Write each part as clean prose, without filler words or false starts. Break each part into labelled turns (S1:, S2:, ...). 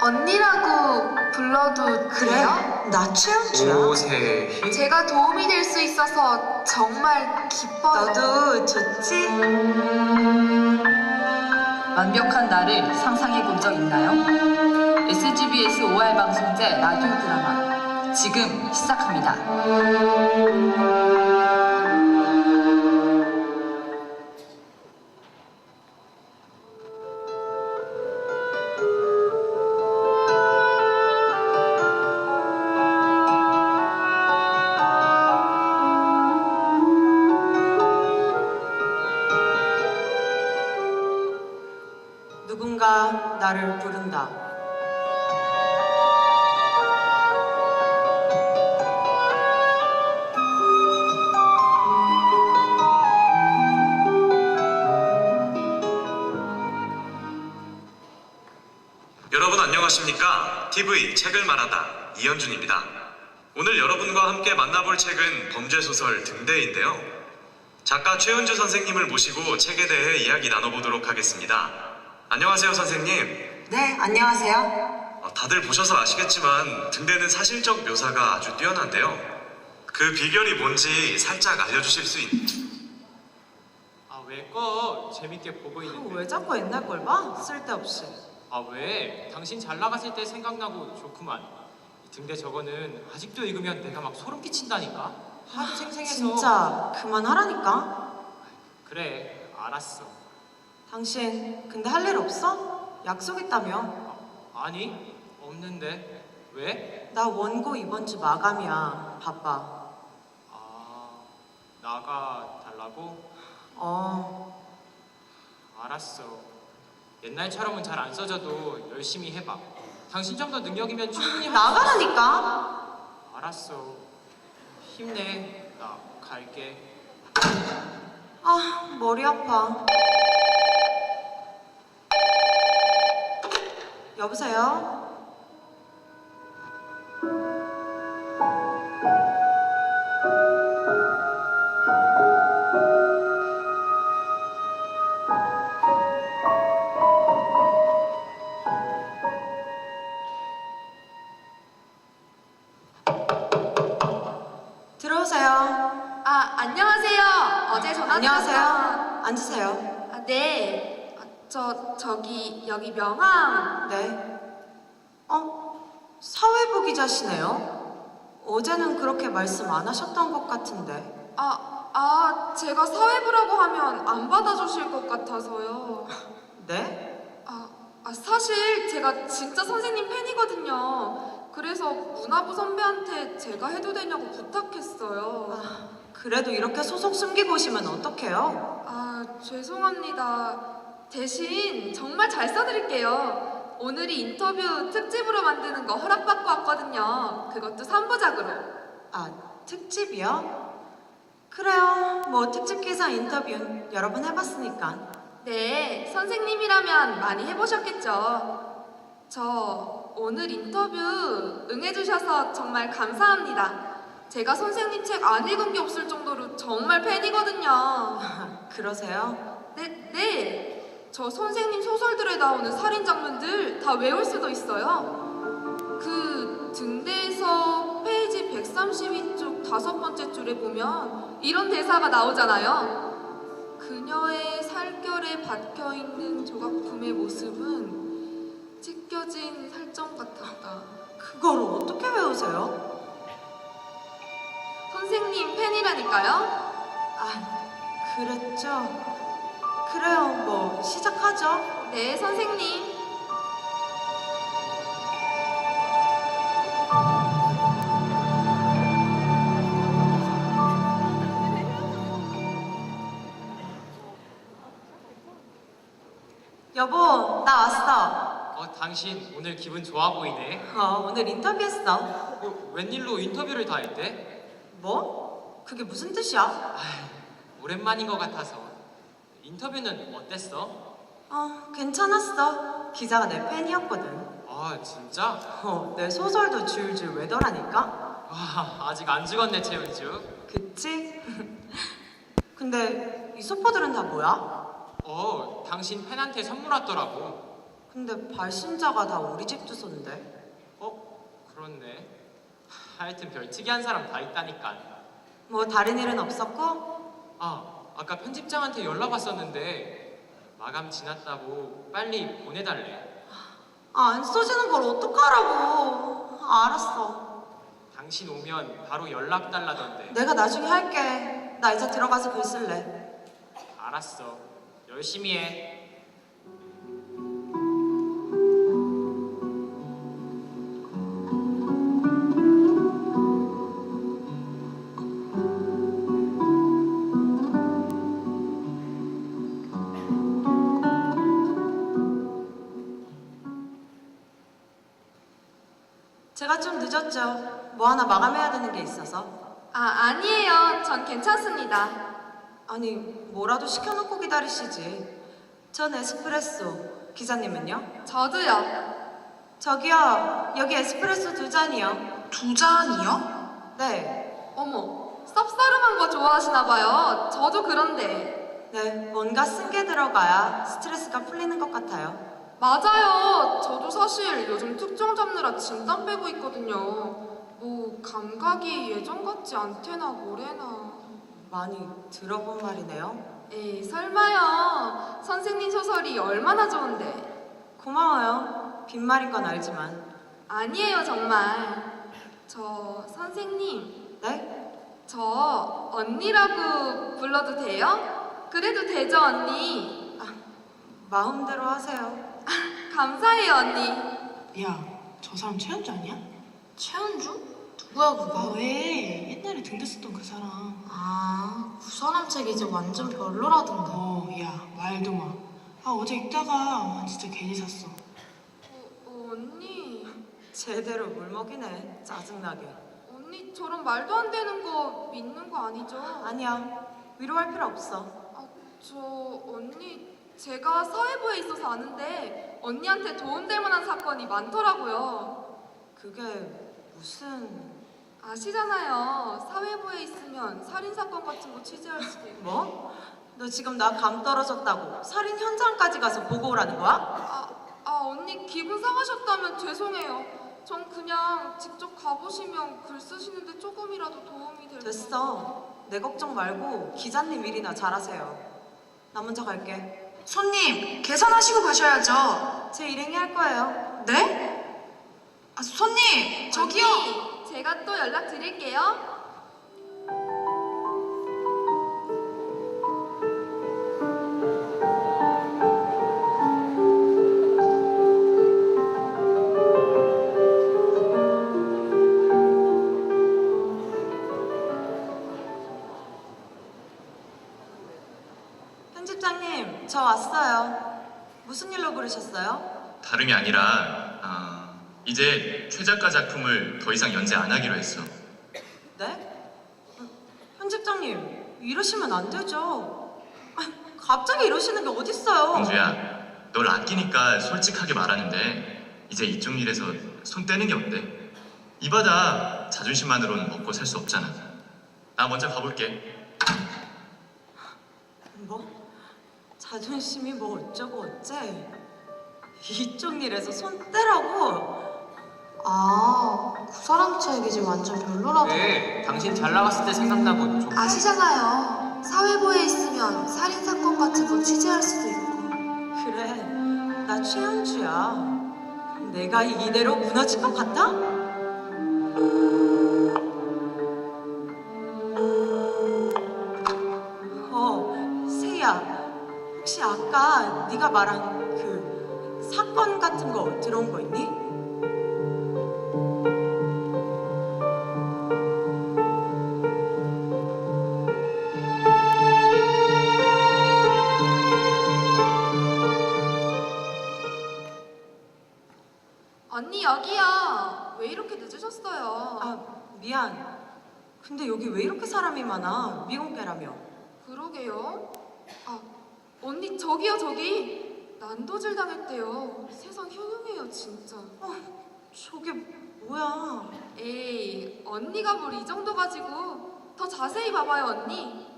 S1: 언니라고 불러도
S2: 그래?
S1: 돼요?
S2: 나 최연주야.
S3: 오세희?
S1: 제가 도움이 될 수 있어서 정말 기뻐요.
S2: 너도 좋지?
S4: 완벽한 나를 상상해 본 적 있나요? SGBS 5월 방송제 라디오 드라마 지금 시작합니다.
S2: 누군가 나를 부른다.
S5: 여러분 안녕하십니까? TV 책을 말하다 이현준입니다. 오늘 여러분과 함께 만나볼 책은 범죄소설 등대인데요. 작가 최은주 선생님을 모시고 책에 대해 이야기 나눠보도록 하겠습니다. 안녕하세요 선생님.
S2: 네, 안녕하세요.
S5: 다들 보셔서 아시겠지만 등대는 사실적 묘사가 아주 뛰어난데요. 그 비결이 뭔지 살짝 알려주실 수
S3: 아, 왜 꺼? 재밌게 보고 있는데.
S2: 왜 자꾸 옛날 걸 봐? 쓸데없이.
S3: 아, 왜? 당신 잘 나갔을 때 생각나고 좋구만. 이 등대 저거는 아직도 읽으면 내가 막 소름 끼친다니까. 하도 생생해서.
S2: 진짜 그만하라니까.
S3: 그래, 알았어.
S2: 당신 근데 할 일 없어? 약속 있다며.
S3: 아니, 없는데. 왜?
S2: 나 원고 이번 주 마감이야. 바빠.
S3: 아, 나가 달라고? 알았어. 옛날처럼은 잘 안 써져도 열심히 해봐. 당신 정도 능력이면 충분히 할 수 있어.
S2: 나가라니까.
S3: 알았어. 힘내. 나 갈게.
S2: 아, 머리 아파. 여보세요? 들어오세요.
S1: 아, 안녕하세요. 어제 전화
S2: 안녕하세요.
S1: 드렸던-
S2: 앉으세요.
S1: 아, 네. 저기 여기 명함.
S2: 네. 사회부 기자시네요. 어제는 그렇게 말씀 안 하셨던 것 같은데.
S1: 제가 사회부라고 하면 안 받아주실 것 같아서요.
S2: 네?
S1: 사실 제가 진짜 선생님 팬이거든요. 그래서 문화부 선배한테 제가 해도 되냐고 부탁했어요.
S2: 그래도 이렇게 소속 숨기고 오시면 어떡해요?
S1: 죄송합니다. 대신 정말 잘 써드릴게요. 오늘이 인터뷰 특집으로 만드는 거 허락받고 왔거든요. 그것도 3부작으로.
S2: 특집이요? 그래요. 뭐 특집 기사 인터뷰 여러 번 해봤으니까.
S1: 네, 선생님이라면 많이 해보셨겠죠. 저 오늘 인터뷰 응해주셔서 정말 감사합니다. 제가 선생님 책 안 읽은 게 없을 정도로 정말 팬이거든요.
S2: 그러세요?
S1: 네. 저 선생님 소설들에 나오는 살인 장면들 다 외울 수도 있어요. 그 등대에서 페이지 132쪽 5번째 줄에 보면 이런 대사가 나오잖아요. 그녀의 살결에 박혀있는 조각품의 모습은 찢겨진 살점 같았다.
S2: 그걸 어떻게 외우세요?
S1: 선생님 팬이라니까요.
S2: 그랬죠. 그래요. 뭐 시작하죠.
S1: 네, 선생님.
S2: 여보, 나 왔어.
S3: 당신 오늘 기분 좋아 보이네.
S2: 오늘 인터뷰했어.
S3: 웬일로 인터뷰를 다 했대?
S2: 뭐? 그게 무슨 뜻이야?
S3: 오랜만인 것 같아서. 인터뷰는 어땠어?
S2: 괜찮았어. 기자가 내 팬이었거든.
S3: 아, 진짜?
S2: 내 소설도 줄줄 외더라니까.
S3: 와, 아직 안 죽었네, 최은주.
S2: 그치? 근데 이 소포들은 다 뭐야?
S3: 당신 팬한테 선물 왔더라고.
S2: 근데 발신자가 다 우리 집 주소인데.
S3: 그렇네. 하여튼 별 특이한 사람 다 있다니까.
S2: 뭐 다른 일은 없었고?
S3: 아까 편집장한테 연락 왔었는데 마감 지났다고 빨리 보내달래.
S2: 안 써지는 걸 어떡하라고. 알았어.
S3: 당신 오면 바로 연락 달라던데.
S2: 내가 나중에 할게. 나 이제 들어가서 글 쓸래.
S3: 알았어. 열심히 해.
S2: 제가 좀 늦었죠. 뭐 하나 마감해야 되는 게 있어서.
S1: 아니에요. 전 괜찮습니다.
S2: 아니, 뭐라도 시켜놓고 기다리시지. 전 에스프레소. 기사님은요?
S1: 저도요.
S2: 저기요, 여기 에스프레소 2잔이요.
S1: 2잔이요?
S2: 네,
S1: 어머, 쌉싸름한 거 좋아하시나 봐요. 저도 그런데.
S2: 네, 뭔가 쓴 게 들어가야 스트레스가 풀리는 것 같아요.
S1: 맞아요. 저도 사실 요즘 특종 잡느라 진땀 빼고 있거든요. 뭐 감각이 예전 같지 않대나 뭐래나.
S2: 많이 들어본 말이네요.
S1: 에이, 설마요. 선생님 소설이 얼마나 좋은데.
S2: 고마워요. 빈말인 건 알지만.
S1: 아니에요, 정말. 저 선생님,
S2: 네?
S1: 저 언니라고 불러도 돼요? 그래도 되죠, 언니?
S2: 마음대로 하세요.
S1: 감사해요, 언니.
S6: 야, 저 사람 최현주 아니야?
S7: 최은주? 누구야 그거?
S6: 왜? 옛날에 등대 썼던 그 사람.
S7: 그 사람 책 이제 완전 별로라던데.
S6: 야, 말도 마. 어제 읽다가 진짜 괜히 샀어.
S1: 언니.
S2: 제대로 물먹이네. 짜증나게.
S1: 언니 저런 말도 안 되는 거 믿는 거 아니죠?
S2: 아니야. 위로할 필요 없어.
S1: 저 언니 제가 사회부에 있어서 아는데 언니한테 도움될 만한 사건이 많더라고요.
S2: 그게 무슨...
S1: 아시잖아요. 사회부에 있으면 살인 사건 같은 거 취재할 수도 있고.
S2: 뭐? 너 지금 나 감 떨어졌다고 살인 현장까지 가서 보고 오라는 거야?
S1: 언니 기분 상하셨다면 죄송해요. 전 그냥 직접 가보시면 글 쓰시는데 조금이라도 도움이 될
S2: 됐어. 내 걱정 말고 기자님 일이나 잘하세요. 나 먼저 갈게.
S7: 손님, 계산하시고 가셔야죠.
S2: 제 일행이 할 거예요.
S7: 네? 손님, 저기요.
S1: 언니, 제가 또 연락 드릴게요.
S2: 편집장님, 저 왔어요. 무슨 일로 부르셨어요?
S5: 다름이 아니라 이제 최 작가 작품을 더 이상 연재 안 하기로 했어.
S2: 네? 편집장님, 이러시면 안 되죠. 갑자기 이러시는 게 어딨어요.
S5: 공주야, 널 아끼니까 솔직하게 말하는데 이제 이쪽 일에서 손 떼는 게 어때? 이 바다 자존심만으로는 먹고 살 수 없잖아. 나 먼저 가볼게.
S2: 뭐? 자존심이 뭐 어쩌고 어째? 이쪽 일에서 손 떼라고?
S7: 그 사람 책 이제 완전 별로라던데.
S3: 네, 당신 잘 나갔을 때 생각나고 좋고.
S7: 아시잖아요. 사회부에 있으면 살인 사건 같은 거 취재할 수도 있고.
S2: 그래, 나 최현주야. 내가 이대로 무너질 것 같아? 세희야, 혹시 아까 네가 말한 그 사건 같은 거 들어온 거 있니?
S1: 언니 여기요. 왜 이렇게 늦으셨어요?
S2: 미안. 근데 여기 왜 이렇게 사람이 많아? 미공개라며.
S1: 그러게요. 언니 저기요 저기. 난도질 당했대요. 세상 흉흉해요 진짜.
S2: 저게 뭐야?
S1: 에이 언니가 뭘 이 정도 가지고 더 자세히 봐봐요 언니.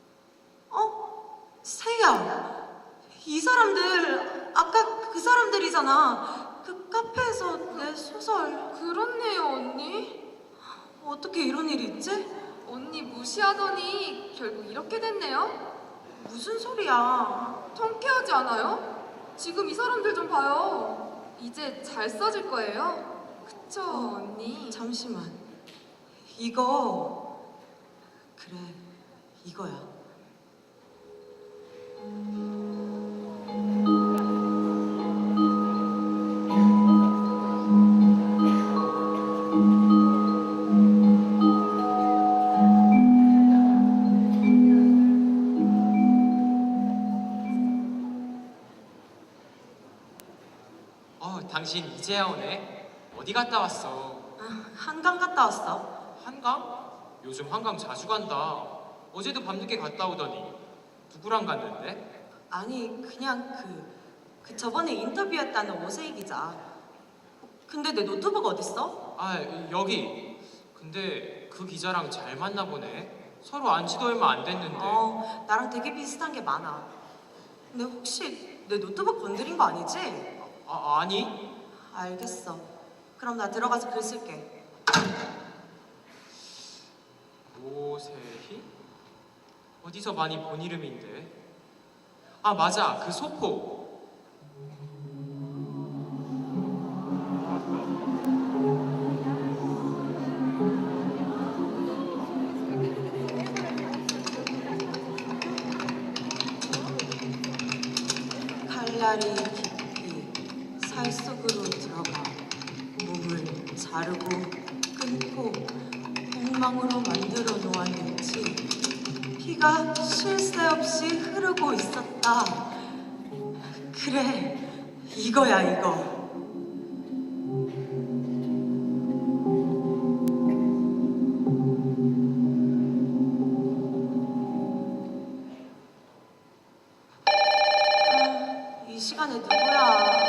S2: 세희야, 이 사람들 아까 그 사람들이잖아. 소설이잖아. 그 카페에서 내 소설.
S1: 그렇네요, 언니.
S2: 어떻게 이런 일이 있지?
S1: 언니 무시하더니 결국 이렇게 됐네요.
S2: 무슨 소리야?
S1: 통쾌하지 않아요? 지금 이 사람들 좀 봐요. 이제 잘 써질 거예요. 그쵸, 언니?
S2: 잠시만. 이거 그래, 이거야.
S3: 당신 이제야 오네. 어디 갔다 왔어?
S2: 한강 갔다 왔어.
S3: 한강? 요즘 한강 자주 간다. 어제도 밤늦게 갔다 오더니 누구랑 갔는데?
S2: 아니 그냥 그 저번에 인터뷰했다는 오세희 기자. 근데 내 노트북 어딨어?
S3: 아, 여기. 근데 그 기자랑 잘 맞나 보네. 서로 안 지도 얼마 안 됐는데.
S2: 나랑 되게 비슷한 게 많아. 근데 혹시 내 노트북 건드린 거 아니지?
S3: 아니?
S2: 알겠어. 그럼 나 들어가서 글 쓸게.
S3: 오세희? 어디서 많이 본 이름인데? 아, 맞아. 그 소포.
S2: 칼날이 깊이 살 속으로 들어가 몸을 자르고 끊고 공망으로 만들어 놓았는지 피가 쉴 새 없이 흐르고 있었다. 그래, 이거야 이거. 이 시간에 누구야?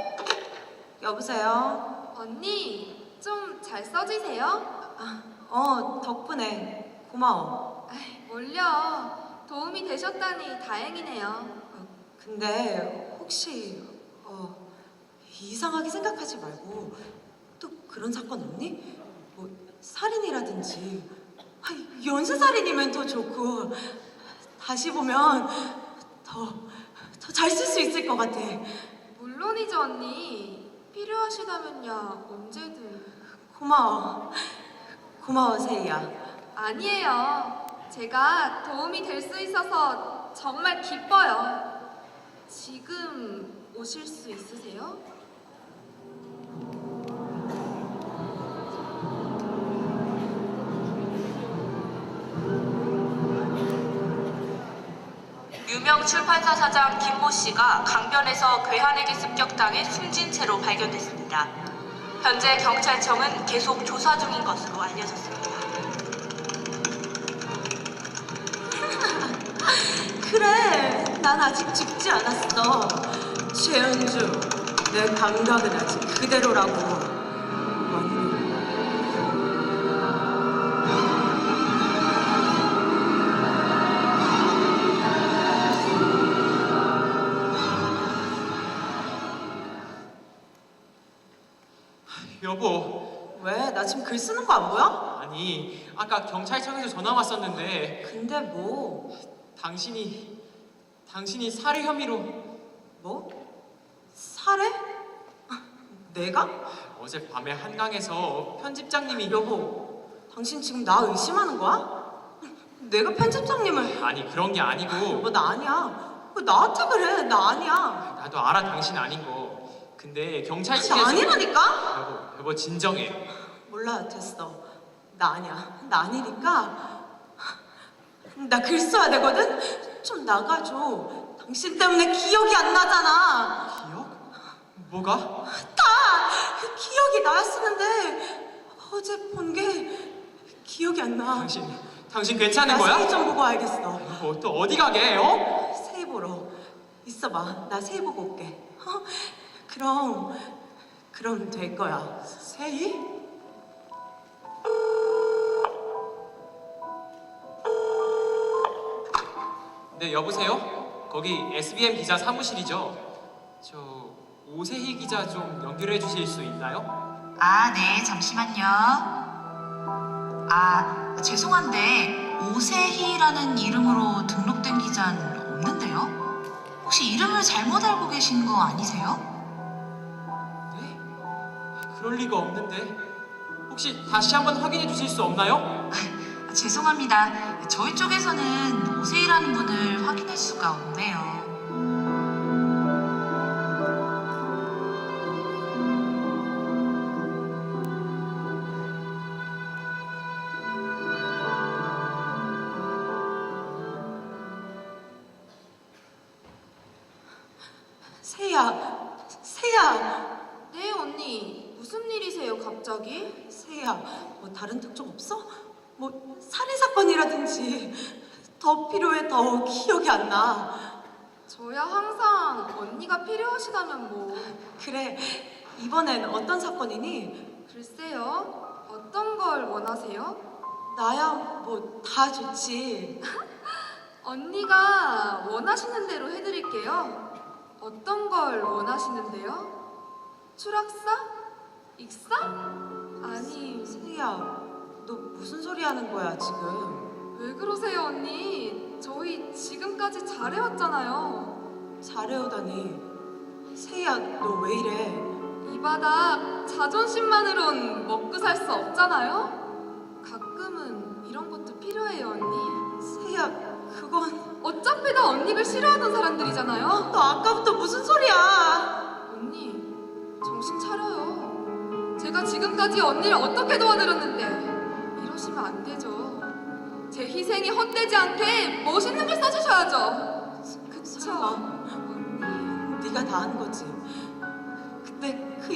S2: 여보세요?
S1: 언니, 좀 잘 써지세요?
S2: 덕분에 고마워.
S1: 뭘요? 도움이 되셨다니 다행이네요.
S2: 근데 혹시 이상하게 생각하지 말고 또 그런 사건 없니? 뭐 살인이라든지 연쇄살인이면 더 좋고 다시 보면 더 잘 쓸 수 있을 것 같아.
S1: 물론이죠, 언니. 필요하시다면야 언제든.
S2: 고마워 세희야.
S1: 아니에요. 제가 도움이 될 수 있어서 정말 기뻐요. 지금 오실 수 있으세요?
S4: 유명 출판사 사장 김모 씨가 강변에서 괴한에게 습격당해 숨진 채로 발견됐습니다. 현재 경찰청은 계속 조사 중인 것으로 알려졌습니다.
S2: 그래, 난 아직 죽지 않았어. 최은주, 내 감각은 아직 그대로라고.
S3: 여보.
S2: 왜? 나 지금 글 쓰는 거 안 보여?
S3: 아니, 아까 경찰청에서 전화 왔었는데
S2: 근데 뭐?
S3: 당신이 살해 혐의로.
S2: 뭐? 살해? 내가?
S3: 어젯밤에 한강에서 편집장님이.
S2: 여보, 당신 지금 나 의심하는 거야? 내가 편집장님을.
S3: 아니, 그런 게 아니고.
S2: 나 아니야. 나한테 그래. 나 아니야.
S3: 나도 알아, 당신 아닌 거. 근데 경찰
S2: 아니,
S3: 측에서.
S2: 아니라니까?
S3: 여보 진정해.
S2: 몰라, 됐어. 나 아니야. 나 아니니까. 나 글 써야 되거든? 좀 나가줘. 당신 때문에 기억이 안 나잖아.
S3: 기억? 뭐가?
S2: 기억이 나야 쓰는데 어제 본 게 기억이 안 나.
S3: 당신 괜찮은
S2: 나
S3: 거야?
S2: 세희 좀 보고 알겠어.
S3: 여보, 또 어디 가게, 어?
S2: 세희 보러. 있어봐. 나 세희 보고 올게. 그럼 될 거야.
S3: 세희? 네, 여보세요? 거기 SBM 기자 사무실이죠? 저 오세희 기자 좀 연결해 주실 수 있나요?
S8: 아, 네, 잠시만요. 아, 죄송한데 오세희라는 이름으로 등록된 기자는 없는데요? 혹시 이름을 잘못 알고 계신 거 아니세요?
S3: 네? 그럴 리가 없는데. 혹시 다시 한번 확인해 주실 수 없나요?
S8: 아, 죄송합니다. 저희 쪽에서는 오세희라는 분을 확인할 수가 없네요.
S2: 세희야,
S1: 네, 언니. 무슨 일이세요, 갑자기?
S2: 세희야, 뭐 다른 특종 없어? 뭐 살인 사건이라든지 더 필요해. 더 기억이 안 나.
S1: 저야 항상 언니가 필요하시다면 뭐.
S2: 그래, 이번엔 어떤 사건이니?
S1: 글쎄요. 어떤 걸 원하세요?
S2: 나야 뭐 다 좋지.
S1: 언니가 원하시는 대로 해드릴게요. 어떤 걸 원하시는데요? 추락사? 익사? 아니,
S2: 세희야, 너 무슨 소리 하는 거야 지금?
S1: 왜 그러세요, 언니? 저희 지금까지 잘해왔잖아요.
S2: 잘해오다니. 세희야, 너 왜 이래?
S1: 이 바닥 자존심만으론 먹고 살 수 없잖아요? 가끔은 이런 것도 필요해요, 언니.
S2: 세희야, 그건
S1: 어차피 다 언니를 싫어하던 사람들이잖아요?
S2: 너 아까부터 무슨 소리야?
S1: 언니, 정신 차려요. 제가 지금까지 언니를 어떻게 도와드렸는데 이러시면 안 되죠. 제 희생이 헛되지 않게 멋있는 걸 써주셔야죠. 그쵸?
S2: 설마
S1: 언니,
S2: 네가 다 한 거지. 근데 그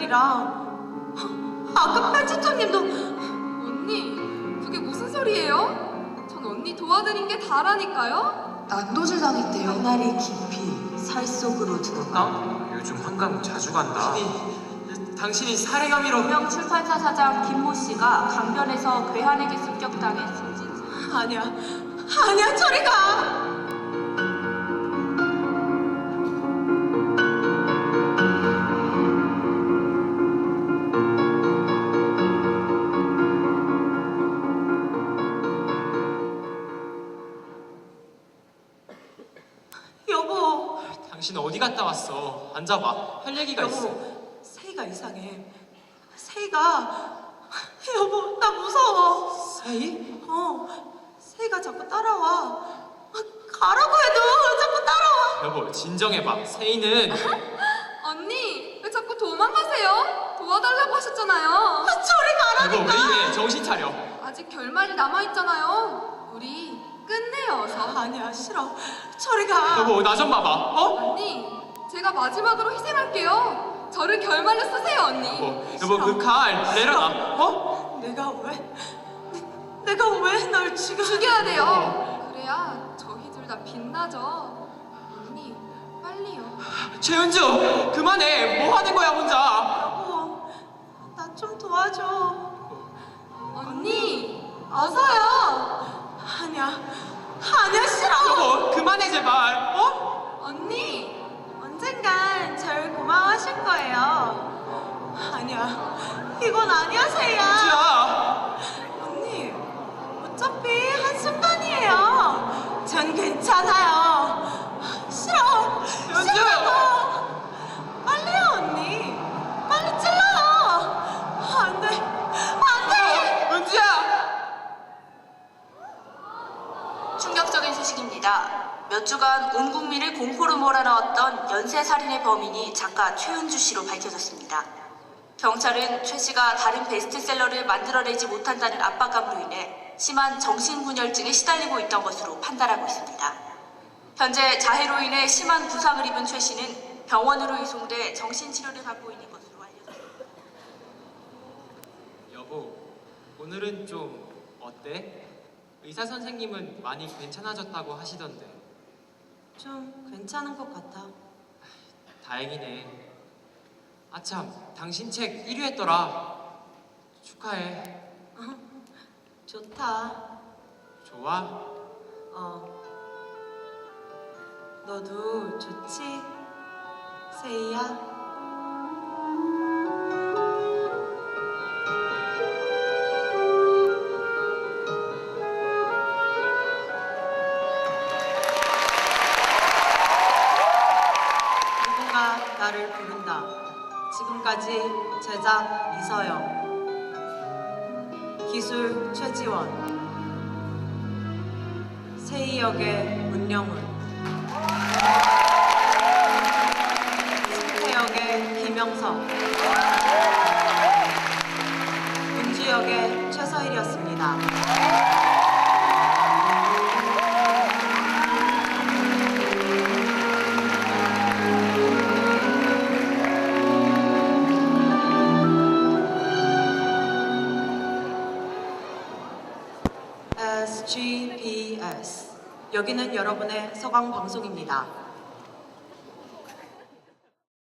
S2: 여자들이랑 아까 편집장님도
S1: 언니, 그게 무슨 소리예요? 전 언니 도와드린 게 다라니까요?
S7: 난도질 당했대요.
S2: 나리 깊이 살 속으로 들어가.
S3: 요즘 한강 자주 간다. 당신이 살해감이로.
S4: 유명 출판사 사장 김모 씨가 강변에서 괴한에게 습격당해 숨진 채
S2: 아니야, 아니야, 저리 가. 여보,
S3: 당신 어디 갔다 왔어? 앉아봐. 할 얘기가 있어.
S2: 여보, 세희가 이상해. 세희가, 여보, 나 무서워.
S3: 세희?
S2: 세희가 자꾸 따라와. 가라고 해도 자꾸 따라와.
S3: 여보, 진정해봐. 세희는
S1: 언니, 왜 자꾸 도망가세요? 도와달라고 하셨잖아요.
S2: 저리
S3: 여보
S2: 가라니까.
S3: 왜 이래? 정신 차려.
S1: 아직 결말이 남아있잖아요. 우리 끝내요, 어서.
S2: 아니야, 싫어. 저리 가.
S3: 여보 나 좀 봐봐. 어?
S1: 언니, 제가 마지막으로 희생할게요. 저를 결말로 쓰세요, 언니.
S3: 여보 그 칼 내려놔. 어?
S2: 내가 왜 널 지금
S1: 죽여야 돼요. 그래야 저희 둘 다 빛나죠. 언니, 빨리요.
S3: 최은주 그만해. 뭐 하는 거야 혼자?
S2: 여보, 나 좀 도와줘.
S1: 언니, 어서요.
S2: 아니야, 싫어.
S3: 여보 그만해 제발. 어?
S1: 언니,
S2: 언젠간 절 고마워하실 거예요. 아니야, 이건 아니야, 세희야.
S3: 은주야.
S2: 언니, 어차피 한순간이에요. 전 괜찮아요. 싫어.
S3: 연주!
S2: 빨리요, 언니. 빨리 찔러요. 안 돼. 안 돼.
S3: 은주야.
S4: 충격적인 소식입니다. 몇 주간 온 국민을 공포로 몰아넣었던 연쇄살인의 범인이 작가 최은주 씨로 밝혀졌습니다. 경찰은 최 씨가 다른 베스트셀러를 만들어내지 못한다는 압박감으로 인해 심한 정신분열증에 시달리고 있던 것으로 판단하고 있습니다. 현재 자해로 인해 심한 부상을 입은 최 씨는 병원으로 이송돼 정신치료를 받고 있는 것으로 알려졌습니다.
S3: 여보 오늘은 좀 어때? 의사 선생님은 많이 괜찮아졌다고 하시던데.
S2: 좀 괜찮은 것 같아.
S3: 다행이네. 아참 당신 책 1위 했더라. 축하해.
S2: 좋다.
S3: 좋아?
S2: 너도 좋지? 세이야? 누군가 나를 부른다. 지금까지 제작 이서영, 기술 최지원, 세이 역의 문영훈, 승태 역의 김영석, 은주 역의 최서일이었습니다. SGPS. 여기는 여러분의 서강 방송입니다.